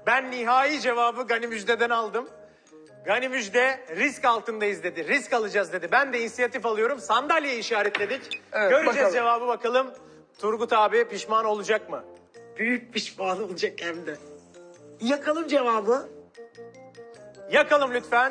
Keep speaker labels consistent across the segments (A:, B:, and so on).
A: Ben nihai cevabı Gani Müjde'den aldım. Gani Müjde risk altındayız dedi. Risk alacağız dedi. Ben de inisiyatif alıyorum. Sandalyeyi işaretledik.
B: Evet,
A: Göreceğiz
B: bakalım.
A: cevabı bakalım. Turgut abi pişman olacak mı?
C: Büyük pişman olacak hem de. Yakalım cevabı.
A: Yakalım lütfen.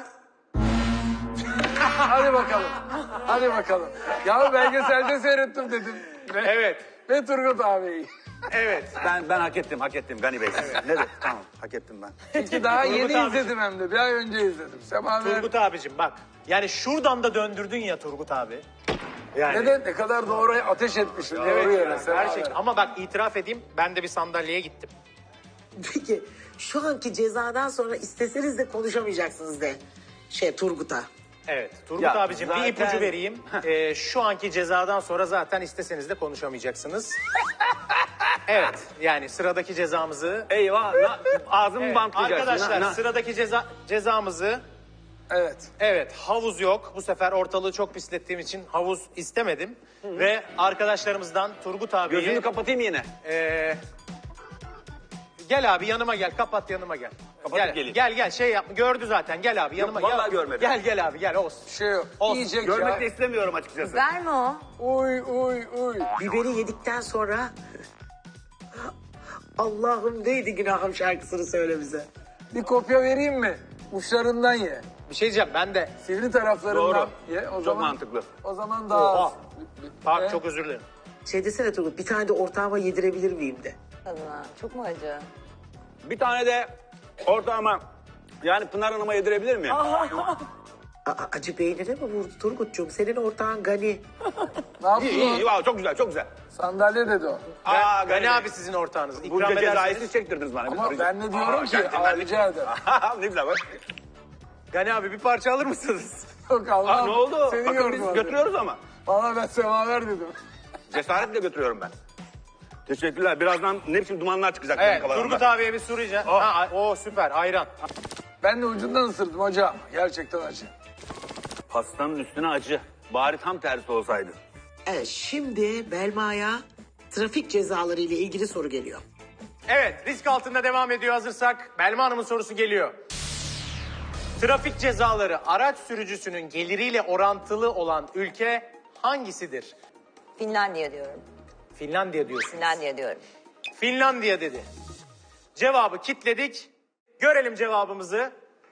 B: Hadi bakalım. Hadi bakalım. Ya belgeselde seyrettim dedim.
A: Evet.
B: Ve Turgut abi.
A: Evet.
D: Ben hak ettim Gani Bey. Ne de tamam hak ettim ben.
B: Çünkü daha
A: Turgut
B: yeni
A: abi.
B: izledim hem de. Bir ay önce izledim. Semaver.
A: Turgut abicim bak. Yani şuradan da döndürdün ya Turgut abi. Yani.
B: Ne kadar doğru ateş etmişsin.
A: Evet
B: doğru
A: ya,
B: yere. Semaver.
A: gerçekten. Ama bak itiraf edeyim ben de bir sandalyeye gittim.
C: Peki şu anki cezadan sonra isteseniz de konuşamayacaksınız de. Turgut'a.
A: Evet. Turgut
D: Ya,
A: abicim bir
D: zaten-
A: ipucu vereyim. Şu anki cezadan sonra zaten isteseniz de konuşamayacaksınız. Evet. Yani sıradaki cezamızı...
D: Eyvah ağzımı
A: Evet,
D: bantlayacaksın.
A: arkadaşlar sıradaki cezamızı...
B: Evet.
A: Evet, havuz yok. Bu sefer ortalığı çok pislettiğim için havuz istemedim. Ve arkadaşlarımızdan Turgut abiye...
D: Gözünü kapatayım yine.
A: Gel abi yanıma gel, kapat yanıma gel.
D: Kapatıp geleyim.
A: Gel şey yapma, gördü zaten. Gel abi yanıma
D: vallahi
A: gel.
D: görmedim.
A: Gel abi gel olsun.
B: Bir şey yok.
A: Olsun.
B: Yiyecek
D: Görmek
B: ya.
D: de istemiyorum açıkçası.
E: Verme o.
B: Uy.
C: Biberi yedikten sonra... Allah'ım neydi günahım şarkısını söyle bize.
B: Bir kopya vereyim mi? Uçlarından ye.
A: Bir şey diyeceğim ben de.
B: Sivri taraflarından
D: Doğru.
B: ye. O
D: Çok
B: zaman,
D: mantıklı.
B: O zaman daha az.
A: Oha. Bak
B: Evet.
A: çok özür dilerim.
C: Desene Turgut bir tane de ortağıma yedirebilir miyim de.
E: Tadına. Çok mu acı?
D: Bir tane de ortağıma yani Pınar Hanım'a yedirebilir miyim?
C: Acı beynine mi vurdu Turgut'cum? Senin ortağın Gani.
B: Ne yaptın?
D: İyi wow, çok güzel çok güzel.
B: Sandalye dedi o.
D: Gani
A: Gani
D: Bey.
A: abi sizin ortağınız.
D: Bu
A: İkram
D: cezayı
A: ederseniz.
D: siz çektirdiniz bana.
B: Ama ben de diyorum ki
D: gerçekten
B: rica ederim.
D: ne güzel bak.
A: Gani abi bir parça alır mısınız?
B: Yok Allah'ım.
D: Ne oldu?
B: Seni
D: Bakın biz
B: yormadı.
D: götürüyoruz ama.
B: Valla ben semaver dedim.
D: Cesaretle götürüyorum ben. Teşekkürler. Birazdan ne biçim dumanlar çıkacak benim
A: Evet
D: kafalarımdan.
A: Turgut abiye bir soru rica. O süper ayran.
B: Ben de ucundan ısırdım hocam. Gerçekten acı.
D: Pastanın üstüne acı. Bari tam tersi olsaydı.
C: Evet şimdi Belma'ya trafik cezaları ile ilgili soru geliyor.
A: Evet risk altında devam ediyor hazırsak. Belma Hanım'ın sorusu geliyor. Trafik cezaları araç sürücüsünün geliriyle orantılı olan ülke hangisidir?
E: Finlandiya diyorum.
A: Finlandiya diyorsun.
E: Finlandiya diyorum.
A: Finlandiya dedi. Cevabı kitledik. Görelim cevabımızı.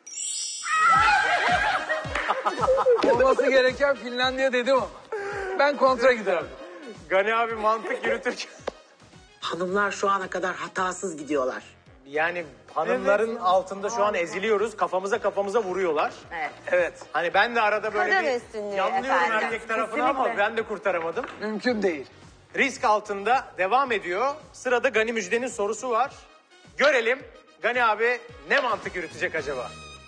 B: Olması gereken Finlandiya dedim ama. Ben kontra giderim.
A: Gani abi mantık yürütürken.
C: Hanımlar şu ana kadar hatasız gidiyorlar.
A: Yani hanımların altında şu an eziliyoruz. Kafamıza vuruyorlar.
E: Evet.
B: Evet.
A: Hani ben de arada böyle
E: Kadın
A: bir
E: üstünlüğü
A: yanlıyorum
E: efendim.
A: erkek tarafına ama
E: Kesinlikle.
A: ben de kurtaramadım.
B: Mümkün değil.
A: Risk altında devam ediyor. Sırada Gani Müjde'nin sorusu var. Görelim Gani abi ne mantık yürütecek acaba?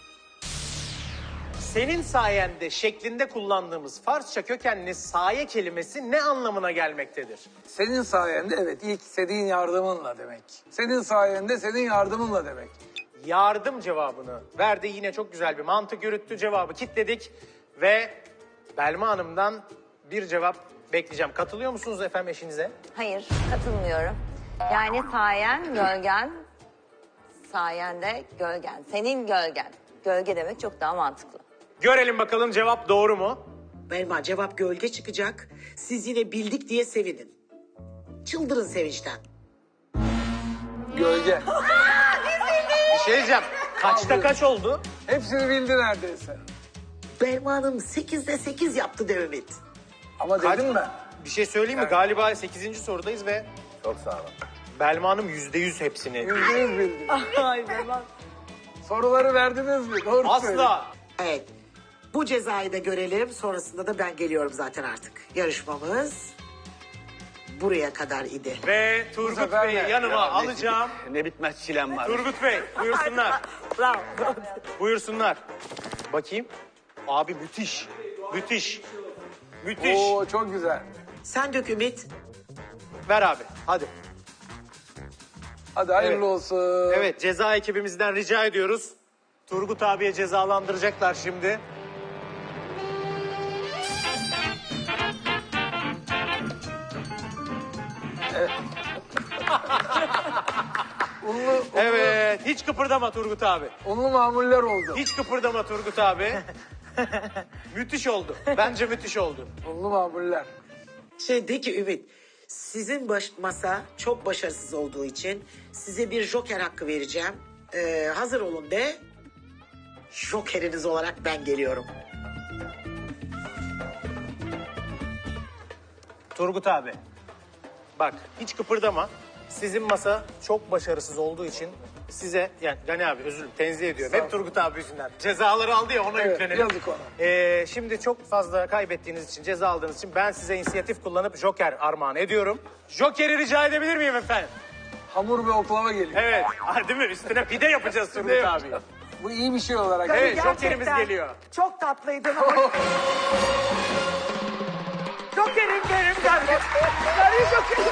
A: Senin sayende şeklinde kullandığımız Farsça kökenli saye kelimesi ne anlamına gelmektedir?
B: Senin sayende evet ilk senin yardımınla demek. Senin sayende senin yardımınla demek.
A: Yardım cevabını verdi. Yine çok güzel bir mantık yürüttü. Cevabı kitledik ve Belma Hanım'dan bir cevap bekleyeceğim. Katılıyor musunuz efendim eşinize?
E: Hayır, katılmıyorum. Yani sayen, gölgen, sayende gölgen. Senin gölgen. Gölge demek çok daha mantıklı.
A: Görelim bakalım cevap doğru mu?
C: Belma cevap gölge çıkacak. Siz yine bildik diye sevinin. Çıldırın sevinçten.
B: Gölge.
A: Bir şey diyeceğim. Kaçta kaç oldu?
B: Hepsini bildi neredeyse.
C: Belma Hanım 8'de 8 yaptı Devlet.
B: Ama dedim ben.
A: Bir şey söyleyeyim mi? Galiba 8. sorudayız ve
D: Çok sağ olun.
A: Belma Hanım %100 hepsini.
B: %100 bildi. Soruları verdiniz mi? Doğru söylüyorsun.
A: Asla.
C: Evet. Bu cezayı da görelim. Sonrasında da ben geliyorum zaten artık. Yarışmamız buraya kadar idi.
A: Ve Turgut
B: sefer
A: Bey'i
B: ne?
A: yanıma
D: Ya,
A: alacağım.
D: Ne bitmez çilem var.
A: Turgut Bey buyursunlar.
C: Bravo.
A: Buyursunlar. Bakayım. Abi müthiş. Müthiş. Müthiş.
B: Oo çok güzel.
C: Sen dök Ümit.
A: Ver abi. Hadi.
B: Hadi hayırlı
A: Evet.
B: olsun.
A: Evet ceza ekibimizden rica ediyoruz. Turgut abiye cezalandıracaklar şimdi. Evet. Hiç kıpırdama Turgut abi.
B: Unlu mamuller oldu.
A: Hiç kıpırdama Turgut abi. Müthiş oldu. Bence müthiş oldu.
B: Unlu mamuller.
C: De ki Ümit, sizin masa çok başarısız olduğu için size bir joker hakkı vereceğim. Hazır olun de. Jokeriniz olarak ben geliyorum.
A: Turgut abi. Bak hiç kıpırdama. Sizin masa çok başarısız olduğu için size yani Gani abi özür dilerim tenzih ediyorum. Hep Turgut abi yüzünden. Cezaları aldı ya ona
B: Evet,
A: yüklenelim.
B: yazık ona.
A: Şimdi çok fazla kaybettiğiniz için ceza aldığınız için ben size inisiyatif kullanıp joker armağan ediyorum. Joker'i rica edebilir miyim efendim?
B: Hamur ve oklava geliyor.
A: Evet. Değil mi? Üstüne pide yapacağız Turgut abi.
B: Bu iyi bir şey olarak.
A: Evet,
C: Gerçekten
A: jokerimiz geliyor.
C: Çok tatlıydın ama... Jokerim benim geldi. Gari jokerim.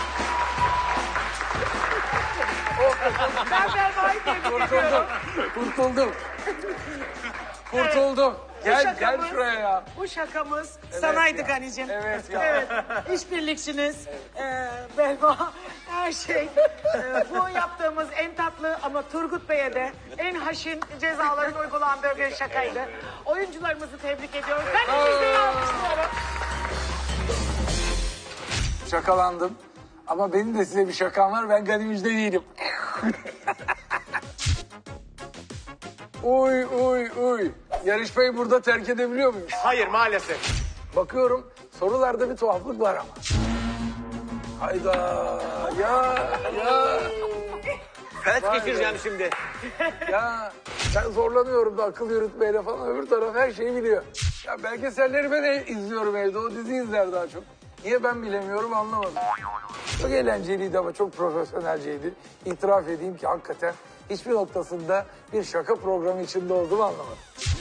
C: Ben Belma'yı tebrik ediyorum.
B: Kurtuldum. Kurtuldum. Gel şuraya ya.
C: Bu şakamız sanaydı
B: ya.
C: Gani'cim.
B: Evet ya.
C: Evet. İşbirlikçiniz, Belma, her şey. Bu yaptığımız en tatlı ama Turgut Bey'e de en haşin cezaların uygulandığı bir şakaydı. Oyuncularımızı tebrik ediyoruz. Ben de sizleri alkışlıyorum.
B: Şakalandım. Ama benim de size bir şakam var. Ben Gani Müjde değilim. Uy. Yarışmayı burada terk edebiliyor muyuz?
A: Hayır maalesef.
B: Bakıyorum sorularda bir tuhaflık var ama. Hayda ya.
D: Felç
B: Vay
D: geçireceğim
B: be.
D: şimdi.
B: Ya ben zorlanıyorum da akıl yürütmeyle falan öbür taraf her şeyi biliyor. Ya belgeselleri ben izliyorum evde o dizi izler daha çok. Niye ben bilemiyorum anlamadım. Çok eğlenceliydi ama çok profesyonelceydi. İtiraf edeyim ki hakikaten hiçbir noktasında bir şaka programı içinde olduğumu anlamadım.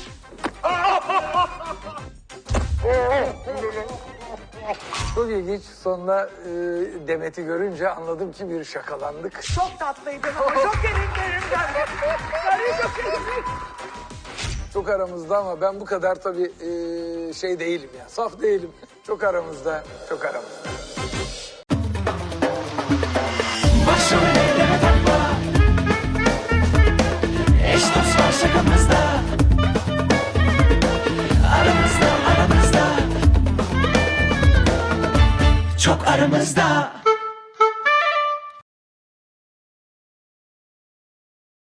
B: Çok ilginç. Sonunda Demet'i görünce anladım ki bir şakalandık.
C: Çok tatlıydın ama jokerim benim geldi. Gari jokerim.
B: Çok aramızda ama ben bu kadar tabii şey değilim ya. Saf değilim. Çok aramızda.
F: Başrol eyleme takma. Eş dost var şakamızda. Aramızda Çok aramızda